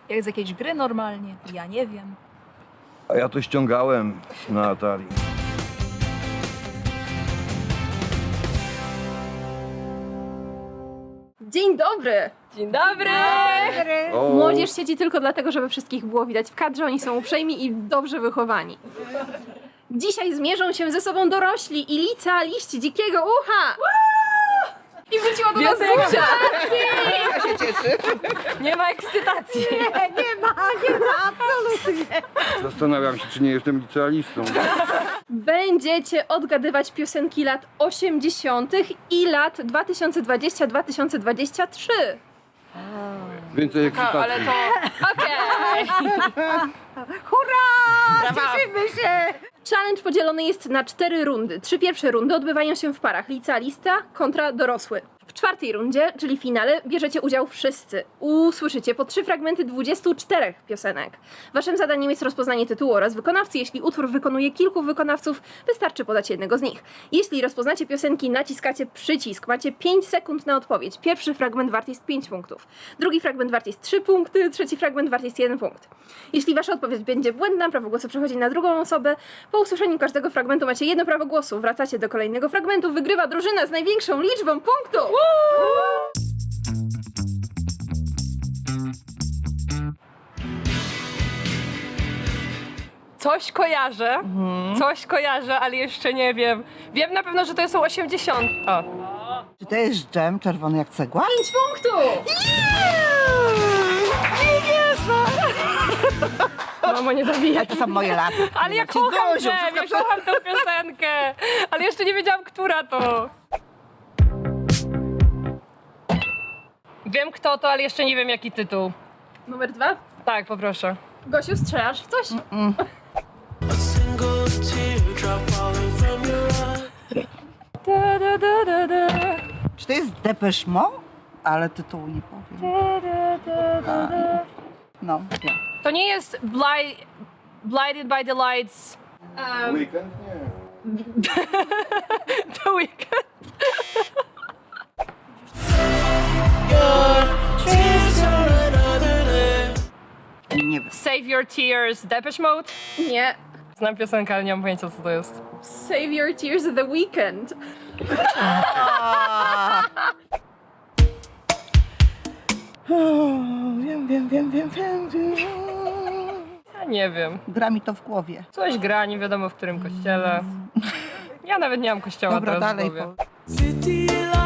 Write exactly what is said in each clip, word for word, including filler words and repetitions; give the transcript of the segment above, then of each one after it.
Jak z jakiejś gry normalnie. Ja nie wiem. A ja to ściągałem na Atari. Dzień dobry! Dzień dobry! O, Młodzież siedzi tylko dlatego, żeby wszystkich było widać w kadrze. Oni są uprzejmi i dobrze wychowani. Dzisiaj zmierzą się ze sobą dorośli i licealiści dzikiego ucha! I wróciła do nas Wiosek. Zuzia! Ja się cieszę. Nie ma ekscytacji. Zastanawiam się, czy nie jestem licealistą. Będziecie odgadywać piosenki lat osiemdziesiątych i lat dwa tysiące dwudziesty do dwa tysiące dwudziestego trzeciego. Więcej ekscytacji. Ale to... Okej! Cieszymy się. Challenge podzielony jest na cztery rundy. Trzy pierwsze rundy odbywają się w parach licealista kontra dorosły. W czwartej rundzie, czyli finale, bierzecie udział wszyscy. Usłyszycie po trzy fragmenty dwudziestu czterech piosenek. Waszym zadaniem jest rozpoznanie tytułu oraz wykonawcy. Jeśli utwór wykonuje kilku wykonawców, wystarczy podać jednego z nich. Jeśli rozpoznacie piosenki, naciskacie przycisk. Macie pięć sekund na odpowiedź. Pierwszy fragment wart jest pięć punktów. Drugi fragment wart jest trzy punkty. Trzeci fragment wart jest jeden punkt. Jeśli wasza odpowiedź będzie błędna, prawo głosu przechodzi na drugą osobę. Po usłyszeniu każdego fragmentu macie jedno prawo głosu. Wracacie do kolejnego fragmentu. Wygrywa drużyna z największą liczbą punktów. Coś kojarzę, coś kojarzę, ale jeszcze nie wiem. Wiem na pewno, że to są osiemdziesiąte. O. Czy to jest dżem czerwony jak cegła? pięć punktów! Mamo, nie zabijaj. To są moje lata. Ale ja Ci kocham Zuziu, Dżem, ja wszystko kocham tę piosenkę. Ale jeszcze nie wiedziałam, która to. Wiem kto to, ale jeszcze nie wiem jaki tytuł. Numer dwa. Tak, poproszę. Gosiu, strzelasz w coś? Single teardrop falling from your eye. Da, da, da, da, da. Czy to jest Depeche Mode? Ale tytułu nie powiem. Da, da, da, da, da. No, ja. To nie jest bli Blinded by the Lights. Weekend? Nie. The Weeknd. Tears are another day. Nie wiem. Save Your Tears, Depeche Mode. Nie. Znam piosenkę, ale nie mam pojęcia co to jest. Save Your Tears The Weeknd. O, wiem, wiem, wiem, wiem, wiem, wiem. Ja nie wiem. Gra mi to w głowie. Coś gra, nie wiadomo w którym kościele. Ja nawet nie mam kościoła Dobra, teraz dalej. w głowie. Po... City lights.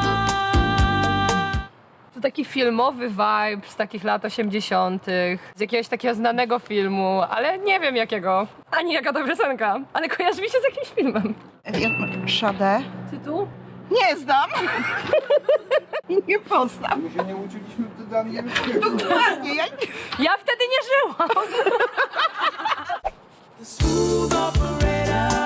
To taki filmowy vibe z takich lat osiemdziesiątych. Z jakiegoś takiego znanego filmu, ale nie wiem jakiego. Ani jaka to piosenka, ale kojarzy mi się z jakimś filmem. Wiem, Sade? Tytuł? Nie znam. Nie poznam. My się nie uczyliśmy wtedy angielskiego. Dokładnie, ja nie... Ja wtedy nie żyłam. The smooth operator.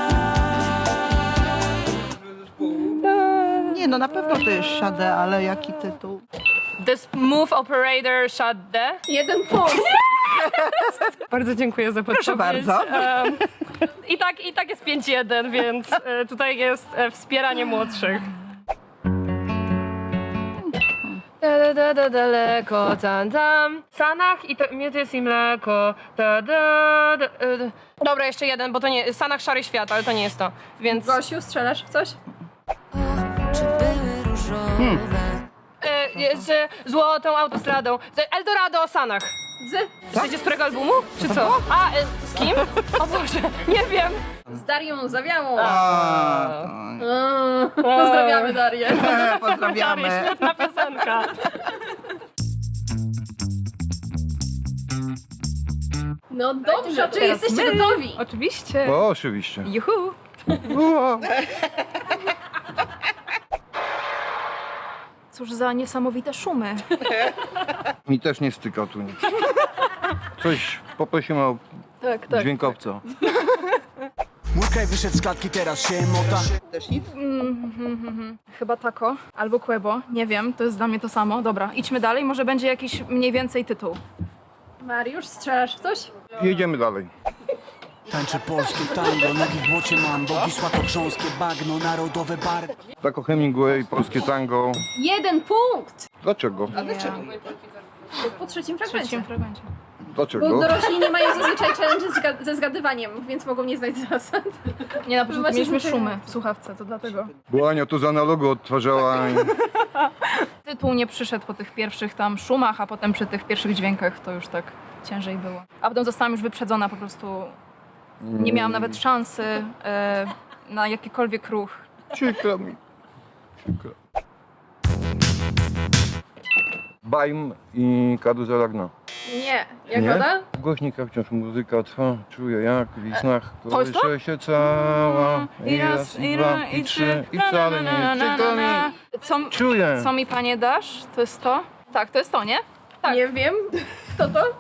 Nie, no na pewno to jest Sade, ale jaki tytuł? The Smooth Operator Shade. Jeden punkt. Bardzo dziękuję za podpowiedź. Proszę bardzo. Em, I tak, i tak jest pięć jeden, więc e, tutaj jest e, wspieranie młodszych. Da, da, da, da, daleko, tam, tam. Sanach i to, miód i mleko. Da, da, da, e, da. Dobra, jeszcze jeden, bo to nie... Sanach Szary Świat, ale to nie jest to, więc... Gosiu, strzelasz w coś? Czy były różowe? E, jest, e, złotą autostradą. Eldorado o Sanach. Z? Wiecie z którego albumu? Czy co? A, e, z kim? O Boże, nie wiem. Z Darią Zawiałą. A, Mm, Pozdrawiamy Darię. to... Czary, Pozdrawiamy. świetna piosenka. No dobrze, czy jesteście gotowi? Oczywiście. O, oczywiście. Juhu. Ua. Cóż za niesamowite szumy. Mi też nie styka tu nic. Coś poprosimy o Tak, tak. dźwiękowca. Mój kraj wyszedł z klatki, teraz się mota. Też nic? Chyba tako albo Quebo, nie wiem, to jest dla mnie to samo. Dobra, idźmy dalej, może będzie jakiś mniej więcej tytuł. Mariusz, strzelasz w coś? Jedziemy dalej. Tańczę polskie tango, nogi w błocie mam, bo Wisła to grząskie bagno, narodowe barwy. Tako Hemingway, polskie tango. Jeden punkt! Dlaczego? Po trzecim W fragmencie. trzecim fragmencie. Dlaczego? Bo dorośli nie mają zazwyczaj challenge zga- ze zgadywaniem, więc mogą nie znać zasad. Nie, na początku Macie mieliśmy zwyczajne. szumy w słuchawce, to dlatego. Bo Ania to z analogu odtwarzała. i- Tytuł nie przyszedł po tych pierwszych tam szumach, a potem przy tych pierwszych dźwiękach to już tak ciężej było. A potem zostałam już wyprzedzona po prostu. Nie miałam nawet szansy e, na jakikolwiek ruch. Przykro mi. Przykro. Bajm i Karuzela Gna. Nie. Jagoda? W głośnikach wciąż muzyka trwa, czuję jak w snach to jest to? kołysze się cała. I raz, i dwa, i trzy, i wcale nie jest przykro mi. Co, Czuję. co mi panie dasz? To jest to? Tak, to jest to, nie? Tak. Nie wiem. Kto to?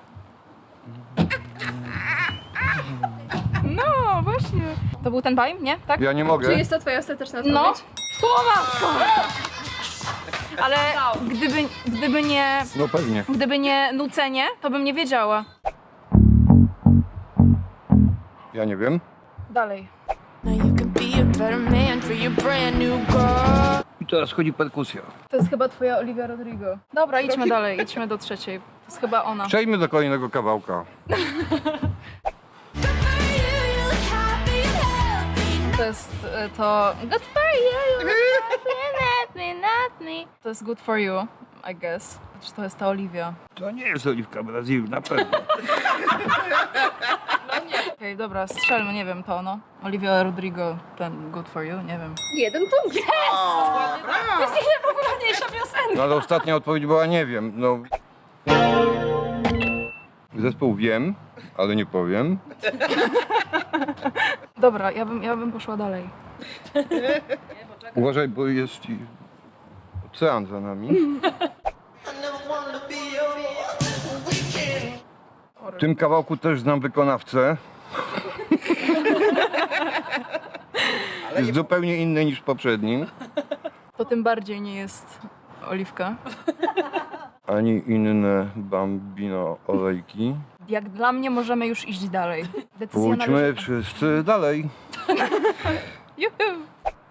No, właśnie. To był ten bajm, nie? Tak? Ja nie Czy mogę. jest to twoja ostateczna No. odpowiedź? Słowa! Ale gdyby, gdyby nie... No pewnie. Gdyby nie nucenie, to bym nie wiedziała. Ja nie wiem. Dalej. Now you can be a better man for your brand new girl. I teraz chodzi perkusja. To jest chyba twoja Olivia Rodrigo. Dobra, idźmy dalej, idźmy do trzeciej. To jest chyba ona. Przejdźmy do kolejnego kawałka. To jest e, to... Good for you, you look not me, not me. To jest good for you, I guess. Czy to jest ta Olivia? To nie jest Oliwka Brazil, na pewno. Okej, dobra, strzelmy, nie wiem, to no. Olivia Rodrigo, ten good for you, nie wiem. Jeden punkt. Yes! To jest najpopularniejsza piosenka. No ale ostatnia odpowiedź była nie wiem. No. Zespół wiem, ale nie powiem. Dobra, ja bym, ja bym poszła dalej. Uważaj, bo jest i ocean za nami. W tym kawałku też znam wykonawcę. Jest zupełnie inny niż w poprzednim. To tym bardziej nie jest Oliwka. Ani inne Bambino olejki. Jak dla mnie możemy już iść dalej. Decyzja Pójdźmy należy... wszyscy dalej. Juhu!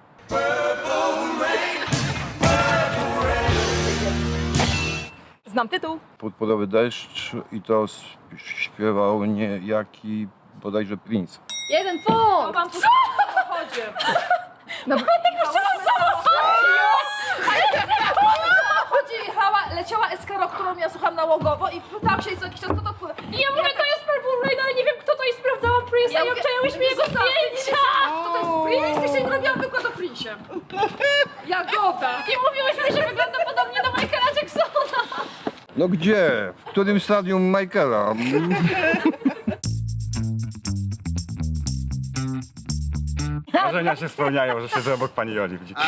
Znam tytuł. Podpodowy deszcz i to sp- śpiewał niejaki bodajże Prince. Jeden punkt. Co? Dobra. Chodzi, jechała, leciała Eskaro, którą ja słucham nałogowo i pytałam się co jakiś czas, kto to pływa. I ja mówię, to jest Purple Rain, ale nie wiem kto to jest, sprawdzałam Prince'a Ja i mówię, obczaiłyśmy jego zdjęcia. Kto to jest Prince? I się robiłam wykład o Prince'ie. Jagoda. I mówiłyśmy, że wygląda podobnie do Michaela Jacksona. No gdzie? W którym stadium Michaela? Marzenia się spełniają, że siedzę obok pani Joli, widzicie?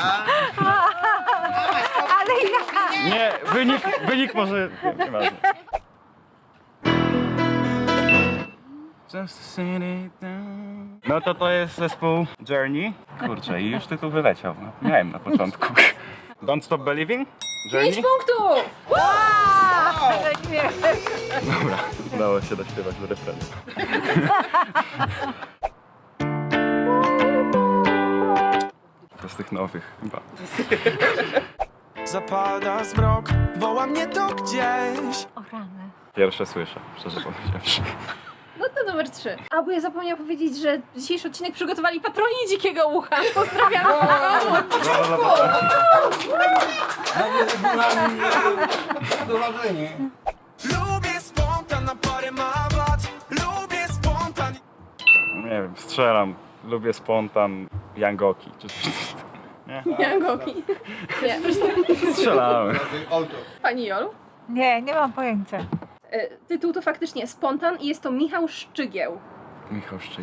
Nie, wynik, wynik może... Nie, nieważne. Just sit it down. No to to jest zespół Journey. Kurczę, i już tytuł wyleciał. No, miałem na początku. Don't Stop Believing? Journey? Pięć punktów. Dobra, udało się dośpiewać do refrenu. To z tych nowych chyba. Zapada zmrok, woła mnie to gdzieś. Pierwsze słyszę, szczerze powiedziawszy. No to numer trzy. A bo ja zapomniałam powiedzieć, że dzisiejszy odcinek przygotowali patroni Dzikiego Ucha. Pozdrawiam. Lubię spontan na parę mawat. Lubię spontan. Nie wiem, strzelam. Lubię spontan Yangoki. Czy coś. Nie? Jangoki. Nie. Strzelałem. Pani Jolu? Nie, nie mam pojęcia. E, Tytuł to faktycznie Spontan i jest to Michał Szczygieł. Michał Szczyk.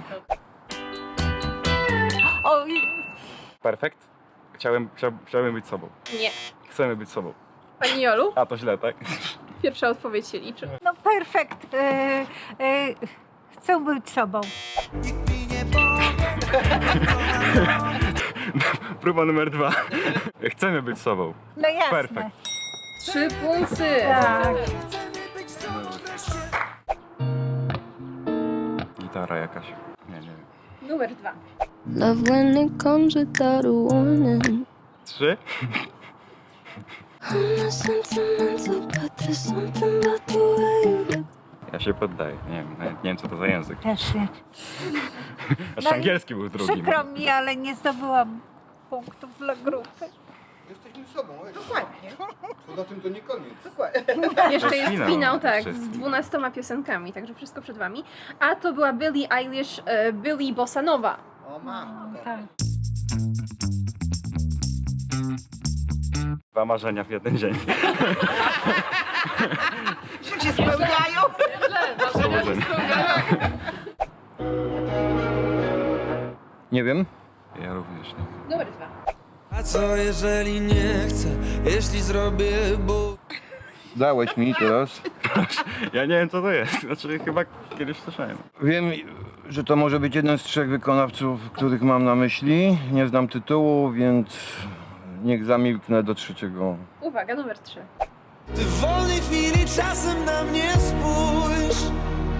O, i- Perfekt? Chciałem, chciał, chciałem być sobą. Nie. Chcemy być sobą. Pani Jolu? A to źle, tak? Pierwsza odpowiedź się liczy. no perfekt. E, e, chcę być sobą. Próba numer dwa. Chcemy być sobą. No jasne. Perfekt. Trzy punkty. Tak. Gitara jakaś. Nie, nie wiem. Numer dwa. Love when it comes without a warning. Trzy? I'm not sentimental, but there's something about the way you look. Ja się poddaję, nie wiem, nawet nie wiem co to za język. Też nie. Aż No i angielski był drugi. Przykro mi, ale nie zdobyłam punktów dla grupy. Jesteśmy sobą, dokładnie. Poza tym to nie koniec. Jeszcze jest finał finał, tak, wszystkich. z dwunastoma piosenkami, także wszystko przed wami. A to była Billie Eilish, e, Billie Bossa Nova. O mam. Tak. Dwa marzenia w jeden dzień. Że się spełniają. Nie wiem. Ja również nie. Numer dwa. A co jeżeli nie chcę, jeśli zrobię, bo... Dałeś mi teraz. Ja nie wiem co to jest, znaczy chyba kiedyś słyszałem. Wiem, że to może być jeden z trzech wykonawców, których mam na myśli. Nie znam tytułu, więc niech zamilknę do trzeciego. Uwaga, numer trzy. Ty w wolnej chwili czasem na mnie spójrz.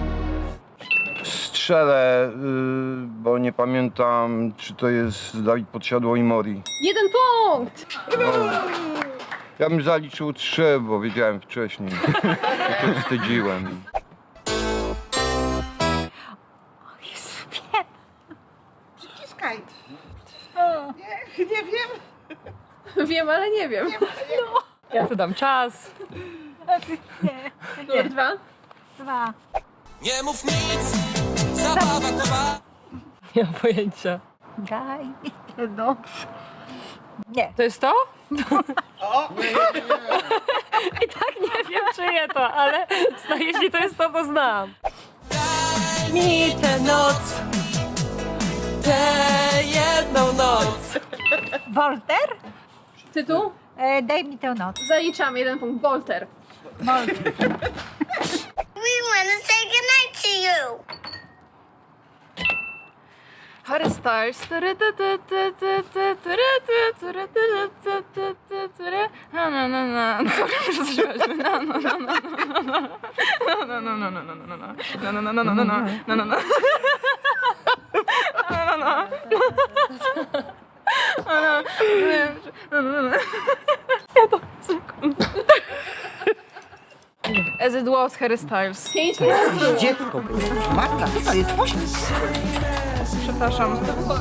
Strzelę, y, bo nie pamiętam, czy to jest Dawid Podsiadło i Mori. Jeden punkt! Ja bym zaliczył trzy, bo wiedziałem wcześniej. I to wstydziłem. Jezu, wiem. Przyciskaj. Nie, nie wiem. Wiem, ale nie wiem. Ja tu dam czas. Nie. Numer dwa. Dwa. Nie mów nic, zabawa trwa. Nie mam pojęcia. Daj mi tę noc. Nie. To jest to? I tak nie wiem, czyje to, ale zna- jeśli to jest to, to znam. Mi tę noc, tę jedną noc. Wolter? Tytuł? E, daj mi tę noc. Zaliczamy jeden punkt. Bolter. We wanna say goodnight to you. Harry Styles. Na na na na. Muszę zaśpiewać. Na na na na. Na na na na na na na. Na na na na na na. Na na na. Na na na. As it was, Harry Styles. Pięć punktów. Dziecko było. Matka, co to jest? Osiem. Przepraszam.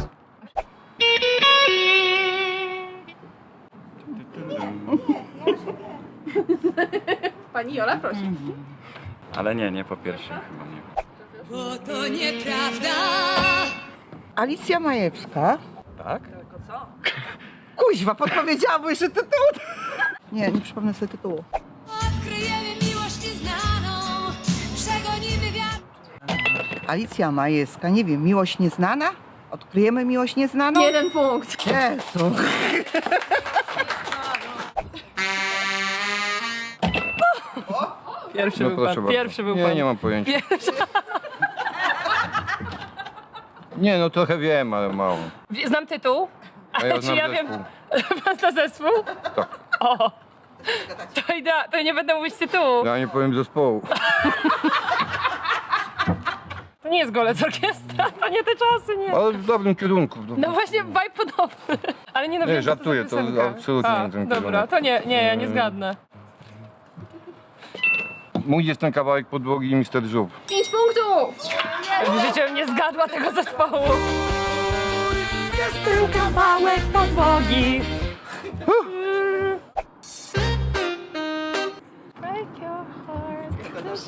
Pani Jola, prosi. Ale nie, nie po pierwszym chyba nie. Bo to nieprawda. Alicja Majewska. Tak? Kuźwa, podpowiedziałam mu jeszcze tytuł. Nie, nie przypomnę sobie tytułu. Odkryjemy miłość nieznaną. Przegonimy wiatr. Alicja Majewska, nie wiem, miłość nieznana? Odkryjemy miłość nieznaną? Jeden punkt. Jezu. Pierwszy No był proszę pan. bardzo. Pierwszy był Nie, pan. nie mam pojęcia. Pierwszy. Nie, no trochę wiem, ale mało. Znam tytuł. A ja Czy znam ja wiem, zespół. pan zna zespół? Tak. O! To idea, to nie będę mówić tytułu. Ja nie powiem zespołu. To nie jest Golec Orkiestra, to nie te czasy, nie. Ale w dobrym kierunku. w dobrym No właśnie, vibe podobny. Ale nie no Nie, wiem, co żartuję, to, za to piosenka. absolutnie A, nie ten dobra, kierunek. to nie, nie, ja nie zgadnę. Mój jest ten kawałek podłogi i mister Żub. Pięć punktów. W życiu bym nie zgadła tego zespołu. Jest był kawałek podłogi. Break your heart.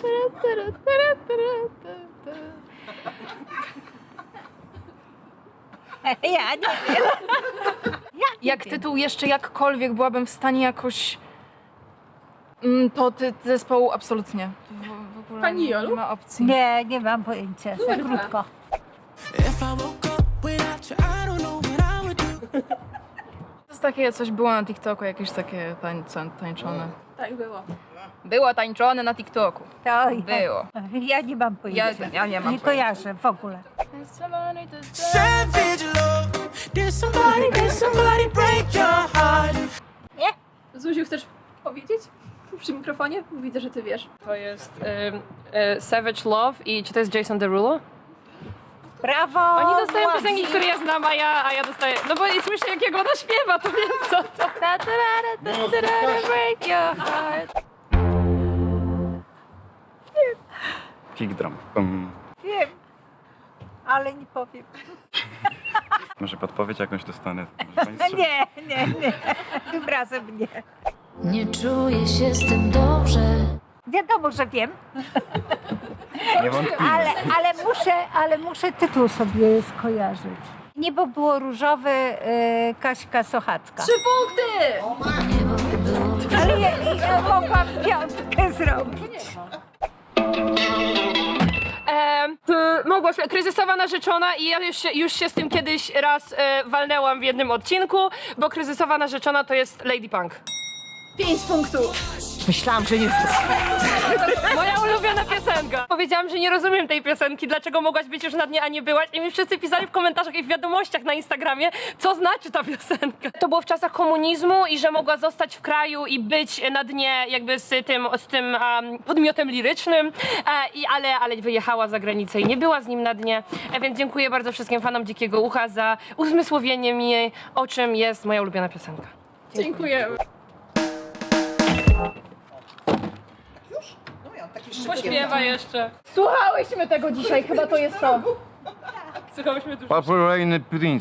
Ja nie wiem. Jak tytuł jeszcze jakkolwiek byłabym w stanie jakoś... Mm, To ty, zespołu absolutnie. W, w ogóle Pani nie, Jolu? nie ma opcji. Nie, nie mam pojęcia. Za Numer dwa. krótko. If I woke up without you, I don't know what I would do. To jest takie, coś było na TikToku, jakieś takie tańce, tańczone. Tak było. Było tańczone na TikToku. To Było. Ja nie mam Ja, pojęcia. ja nie mam Nie kojarzę w ogóle. Savage love. Did somebody, did somebody break your heart? Zuziu, chcesz powiedzieć? Przy mikrofonie? Widzę, że ty wiesz. To jest y, y, Savage Love i czy to jest Jason Derulo? Brawo! Oni dostają Władzi. piosenki, które ja znam, a ja, a ja dostaję... No bo i słyszę, jakiego ona śpiewa, to wiem co to. Ta, ta, ta, ta, ta, ta, ta, break your heart. Kick drum. Um, Wiem, ale nie powiem. może podpowiedź jakąś dostanę? Może pani strzeli? Nie, nie, nie. Tym razem nie. Nie czuję się z tym dobrze. Wiadomo, że wiem, Niewątpliwie. ale, ale, muszę, ale muszę tytuł sobie skojarzyć. Niebo było różowe, e, Kaśka Sochacka. Trzy punkty! Ale ja, ja mogłam piątkę zrobić. E, ty, Małgosia, kryzysowa narzeczona i ja już się, już się z tym kiedyś raz e, walnęłam w jednym odcinku, bo kryzysowa narzeczona to jest Lady Punk. Pięć punktów. Myślałam, że nie Moja ulubiona piosenka. Powiedziałam, że nie rozumiem tej piosenki, dlaczego mogłaś być już na dnie, a nie byłaś. I mi wszyscy pisali w komentarzach i w wiadomościach na Instagramie, co znaczy ta piosenka. To było w czasach komunizmu i że mogła zostać w kraju i być na dnie jakby z tym, z tym um, podmiotem lirycznym, e, i, ale, ale wyjechała za granicę i nie była z nim na dnie. E, więc dziękuję bardzo wszystkim fanom Dzikiego Ucha za uzmysłowienie mi, o czym jest moja ulubiona piosenka. Dziękujemy. Pośpiewa jeszcze. Słuchałyśmy tego dzisiaj, chyba to jest to. Słuchałyśmy dużo. Purple Rain Prince.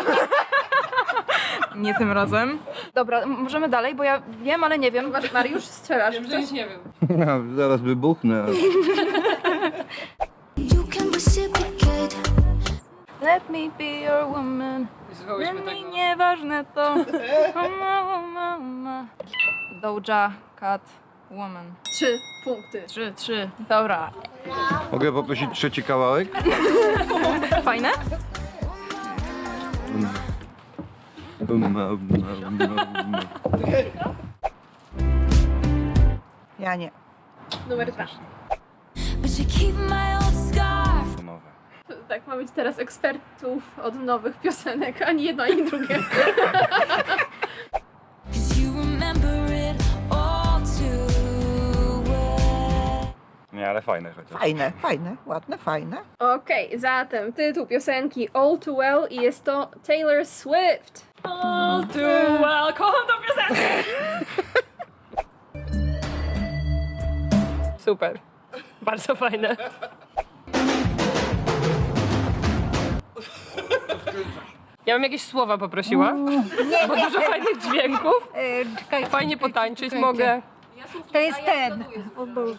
Nie tym razem. Dobra, m- możemy dalej, bo ja wiem, ale nie wiem. Mariusz, strzelasz w coś? Nie wiem. Zaraz wybuchnę. You can reciprocate. Let me be your woman. Słuchałyśmy Dla mnie tego. nieważne to. Uma, uma, uma. Doja Cat Woman. Trzy punkty. Trzy, trzy. Dobra. Mogę poprosić trzeci kawałek? Fajne? Um, um, um, um. Ja nie. Numer dwa. But you keep my old scarf. To nowe. Tak, ma być teraz ekspertów od nowych piosenek. Ani jedno, ani drugie. Cause you remember it all too well. Nie, ale fajne chociaż. Fajne, fajne, ładne, fajne. Okej, zatem tytuł piosenki All Too Well i jest to Taylor Swift. All too well. Kocham tą piosenkę. Super. Bardzo fajne. Ja bym jakieś słowa poprosiła, bo dużo fajnych dźwięków. E, czekajcie, Fajnie czekajcie, potańczyć czekajcie. mogę. To jest ten. O Boże.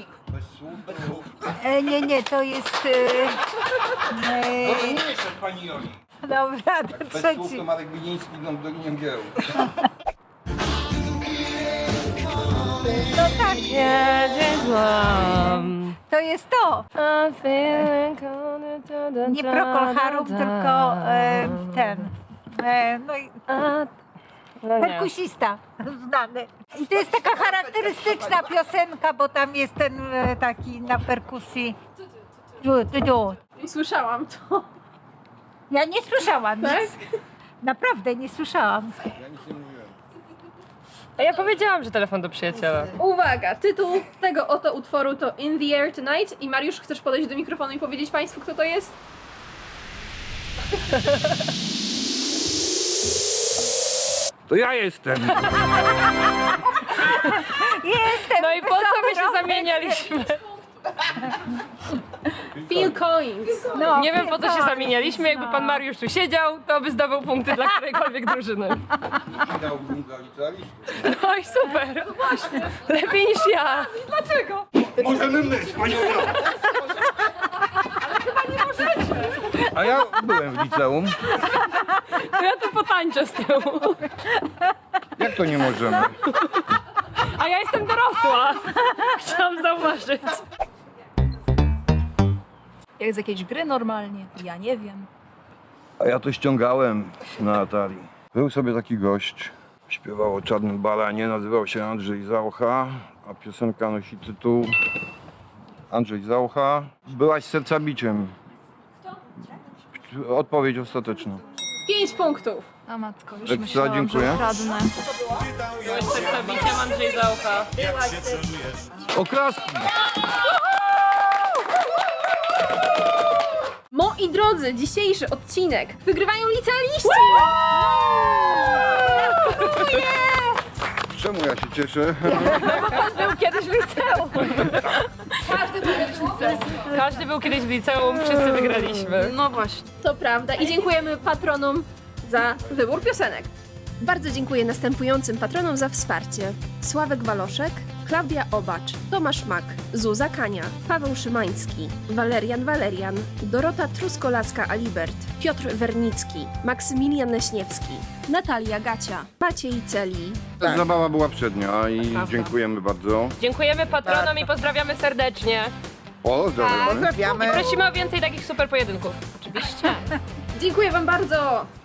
E, nie, nie, to jest... E, e, Pani Joli. dobra, to Bez słów trzeci. to Marek Biliński idą Dolinie Mgieł. No tak, Jedzie złam. to jest to. Nie Procol Harum, tylko e, ten. E, no i No nie. perkusista znany. I to jest taka charakterystyczna piosenka, bo tam jest ten e, taki na perkusji. Du, du, du. I słyszałam to. Ja nie słyszałam Tak? nic. Naprawdę nie słyszałam. A ja powiedziałam, że telefon do przyjaciela. Uwaga, tytuł tego oto utworu to In the Air Tonight. I Mariusz, chcesz podejść do mikrofonu i powiedzieć Państwu, kto to jest? To ja jestem. Jestem No i po co my się wysoko- zamienialiśmy? Phil Collins. No, Nie wiem po co się Collins, zamienialiśmy. Jakby pan no. Mariusz tu siedział, to by zdobył punkty dla którejkolwiek drużyny. Dałbym dla licealistów. No i super. Lepiej niż ja. Dlaczego? Możemy myć, Pani Joli. A ja byłem w liceum. To ja tu potańczę z tyłu. Jak to nie możemy? A ja jestem dorosła. Chciałam zauważyć. Jak z jakiejś gry normalnie. Ja nie wiem. A ja to ściągałem na Atari. Był sobie taki gość, śpiewał o Czarnym Baranie, nazywał się Andrzej Zaucha, a piosenka nosi tytuł Andrzej Zaucha. Byłaś sercabiciem. Odpowiedź ostateczna. Pięć punktów. A matko, już Ekstra, myślałam, dziękuję. że kradnę. Byłeś sercabiciem Andrzej Zaucha. Oklaski! Mo Moi drodzy, dzisiejszy odcinek wygrywają licealiści! Czemu ja się cieszę? Był kiedyś w liceum. Każdy był kiedyś w liceum. Każdy był kiedyś w liceum, wszyscy wygraliśmy. No właśnie. To prawda i dziękujemy patronom za wybór piosenek. Bardzo dziękuję następującym patronom za wsparcie. Sławek Waloszek, Klaudia Obacz, Tomasz Mak, Zuza Kania, Paweł Szymański, Walerian Walerian, Dorota Truskolacka-Alibert, Piotr Wernicki, Maksymilian Leśniewski, Natalia Gacia, Maciej Celi. Zabawa była przednia i dziękujemy bardzo. Dziękujemy patronom i pozdrawiamy serdecznie. Pozdrawiamy. Pozdrawiamy. Prosimy o więcej takich super pojedynków. Oczywiście. Dziękuję wam bardzo!